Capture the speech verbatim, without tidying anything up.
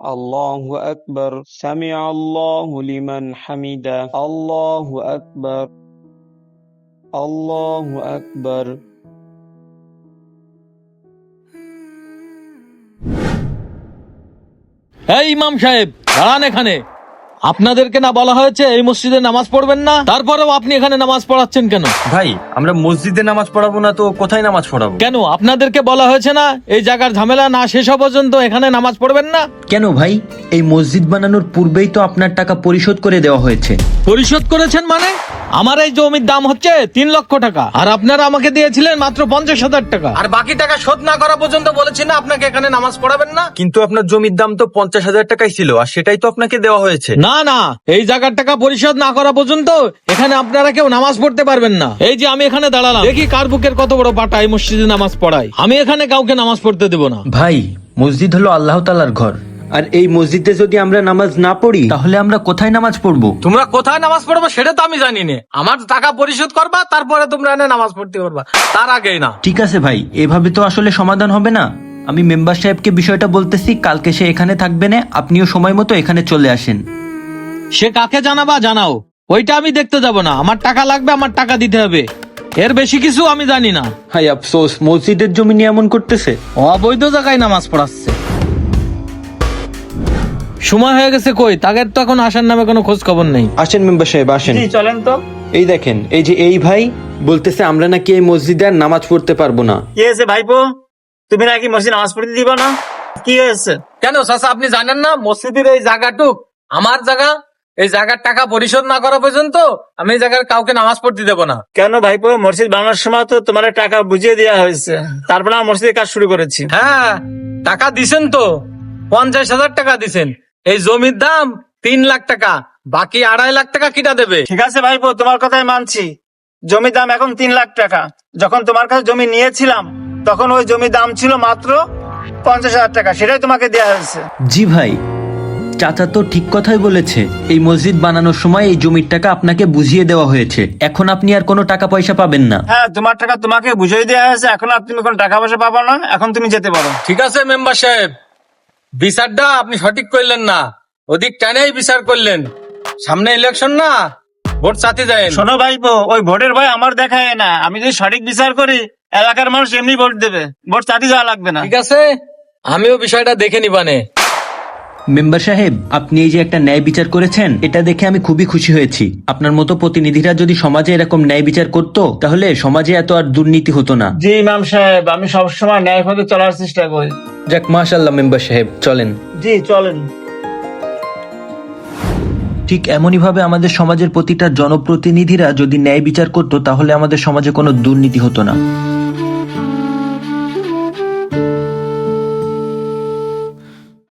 আল্লাহু আকবার, সামিআ আল্লাহু লিমান হামিদা, আল্লাহু আকবার, আল্লাহু আকবার। এই ইমাম সাহেব, দাঁড়ান এখানে। আপনাদেরকে না বলা হয়েছে এই মসজিদে নামাজ পড়বেন না? তারপরেও আপনি এখানে নামাজ পড়াচ্ছেন কেন? ভাই, আমরা মসজিদে নামাজ পড়াবো না তো কোথায় নামাজ পড়াবো? কেন আপনাদেরকে বলা হয়েছে না এই জায়গার ঝামেলা না শেষ হওয়া পর্যন্ত এখানে নামাজ পড়বেন না? কেন ভাই, এই মসজিদ বানানোর পূর্বেই তো আপনার টাকা পরিশোধ করে দেওয়া হয়েছে। পরিশোধ করেছেন মানে? আমার এই জমির দাম হচ্ছে তিন লক্ষ টাকা, আর আপনারা আমাকে দিয়েছিলেন মাত্র পঞ্চাশ হাজার টাকা, আর বাকি টাকা শোধ না করা পর্যন্ত বলেছি না আপনাকে এখানে নামাজ পড়াবেন না? কিন্তু আপনার জমির দাম তো পঞ্চাশ হাজার টাকাই ছিল, আর সেটাই তো আপনাকে দেওয়া হয়েছে। না না, এই জায়গার টাকা পরিশোধ না করা পর্যন্ত এখানে আপনারা কেউ নামাজ পড়তে পারবেন না। এই যে আমি এখানে দাঁড়ালাম, দেখি কার বুকের কত বড় পাটা এই মসজিদে নামাজ পড়ায়। আমি এখানে কাউকে নামাজ পড়তে দেব না। ভাই, মসজিদ হলো আল্লাহ তাআলার ঘর, আর এই মসজিদে যদি আমরা নামাজ না পড়ি তাহলে আমরা কোথায় নামাজ পড়বো? তোমরা কোথায় নামাজ পড়বো সেটা তো আমি জানি না। আমার টাকা পরিশোধ করবা, তারপরে তোমরা এনে নামাজ পড়তে পারবা, তার আগেই না। ঠিক আছে ভাই, এভাবে তো আসলে সমাধান হবে না। আমি মেম্বার সাহেবকে বিষয়টা বলতেছি, কালকে সে এখানে থাকবে না, আপনিও সময় মতো এখানে চলে আসেন। সে কাকে জানাবা জানাও, ওইটা আমি দেখতে যাব না। আমার টাকা লাগবে, আমার টাকা দিতে হবে, এর বেশি কিছু আমি জানি না। হাই আফসোস, মসজিদের জমি নিয়ে এমন করতেছে। অবৈধ জায়গায় নামাজ পড়াচ্ছে। সময় হয়ে গেছে, কই তাদের তো এখন আসার নামে কোনো খোঁজ খবর নেই। আসেন মেম্বার সাহেব, আসেন। চলেন তো। এই দেখেন, এই যে এই ভাই বলতেছে আমরা নাকি এই মসজিদে আর নামাজ পড়তে পারবো না। কি হয়েছে ভাইপো, তুমি নাকি মসজিদ নামাজ পড়তে দিবা না? কি হয়েছে? কেন চাচা, আপনি জানেন না মসজিদের এই জায়গাটুক আমার জায়গা? এই জায়গার টাকা পরিশোধ না করা পর্যন্ত আমি এই জায়গার কাউকে নামাজ পড়তে দেবো না। কেন ভাইপো, মসজিদ বানানোর সময় তো তোমার টাকা বুঝিয়ে দেওয়া হয়েছে, তারপরে আমরা মসজিদের কাজ শুরু করেছি। হ্যাঁ, টাকা দিছেন তো, পঞ্চাশ হাজার টাকা দিছেন। এই জমির দাম তিন লাখ টাকা, বাকি আড়াই লাখ টাকা কিটা দেবে? ঠিক আছে ভাইপো, তোমার কথাই মানছি। জমির দাম এখন তিন লাখ টাকা। যখন তোমার কাছে জমি নিয়েছিলাম তখন ওই জমির দাম ছিল মাত্র পঞ্চাশ হাজার টাকা, সেটাই তোমাকে দেওয়া হয়েছে। জি ভাই, চাচা তো ঠিক কথাই বলেছে। এই মসজিদ বানানোর সময় এই জমির টাকা আপনাকে বুঝিয়ে দেওয়া হয়েছে, এখন আপনি আর কোনো টাকা পয়সা পাবেন না। হ্যাঁ, তোমার টাকা তোমাকে বুঝিয়ে দেওয়া হয়েছে, এখন আর তুমি কোনো টাকা পয়সা পাবো না, এখন তুমি যেতে পারো। ঠিক আছে মেম্বার সাহেব, বিচারটা আপনি সঠিক করলেন না, ওদিক টানেই বিচার করলেন। সামনে ইলেকশন না, ভোট চাতে যায়। শোনো ভাইপো, ওই ভোটের ভয় আমার দেখায় না। আমি যদি সঠিক বিচার করি, এলাকার মানুষ এমনি ভোট দেবে, ভোট চাটি যাওয়া লাগবে না। ঠিক আছে, আমিও বিষয়টা দেখে নিবানে। মেম্বার সাহেব, আপনি এই যে একটা ন্যায় বিচার করেছেন, এটা দেখে আমি খুবই খুশি হয়েছি। আপনার মতো প্রতিনিধিরা যদি সমাজে এরকম ন্যায় বিচার করতো তাহলে সমাজে এত আর দুর্নীতি হতো না। জি ইমাম সাহেব, আমি সবসময় ন্যায় পথে চলার চেষ্টা করি। যাক, মাশাআল্লাহ মেম্বার সাহেব, চলেন। জি চলেন। ঠিক এমনই ভাবে আমাদের সমাজের প্রতিটা জনপ্রতিনিধিরা যদি ন্যায় বিচার করতো তাহলে আমাদের সমাজে কোনো দুর্নীতি হতো না।